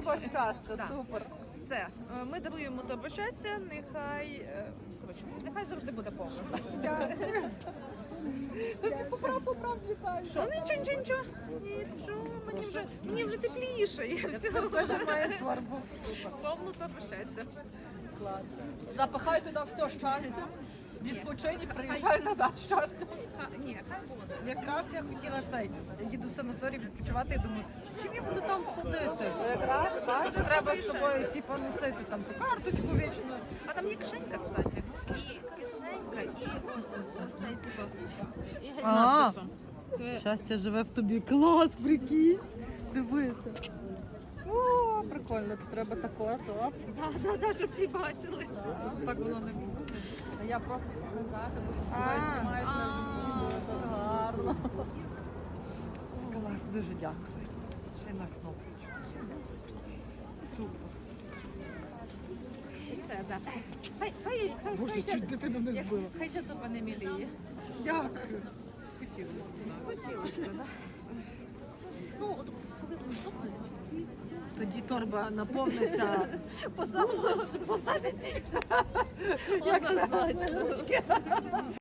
Твого щастя, Так. супер. Все. Ми даруємо тобі щастя, нехай завжди буде повно. Поправ злітаєш. Що? Нічого. Ні, нічого, мені вже тепліше. Я всього Теж має торбу. повну тобі щастя. Клас. Запихай туди все щастя. Відпочинь і приїжджай назад щастя. Ні, хай буде. Якраз я хотіла цей. Я їду в санаторій відпочивати, я думаю, чим я буду там ходити? Якраз, так. Треба з собою типу, носити там ту карточку вічно. А там є кишенька, кстати. І кишенька, і оцей, типу, і геть з А. надписом. Це Щастя живе в тобі. Клас, прикинь. Дивися. О, прикольно, то треба також. Оп. да, щоб ті бачили. Так воно не було. А я просто показати, бо тут А. знімають на відео, так гарно. Клас, дуже дякую. Ще на кнопочку. Супер. Все, да. Хай Боже, чуть дитину не збила. хай ця тобі не міліє. Дякую. Хотілося, да? Ну, от коли тобі подобається. Тоді торба наповниться. По самі ці. Однозначно.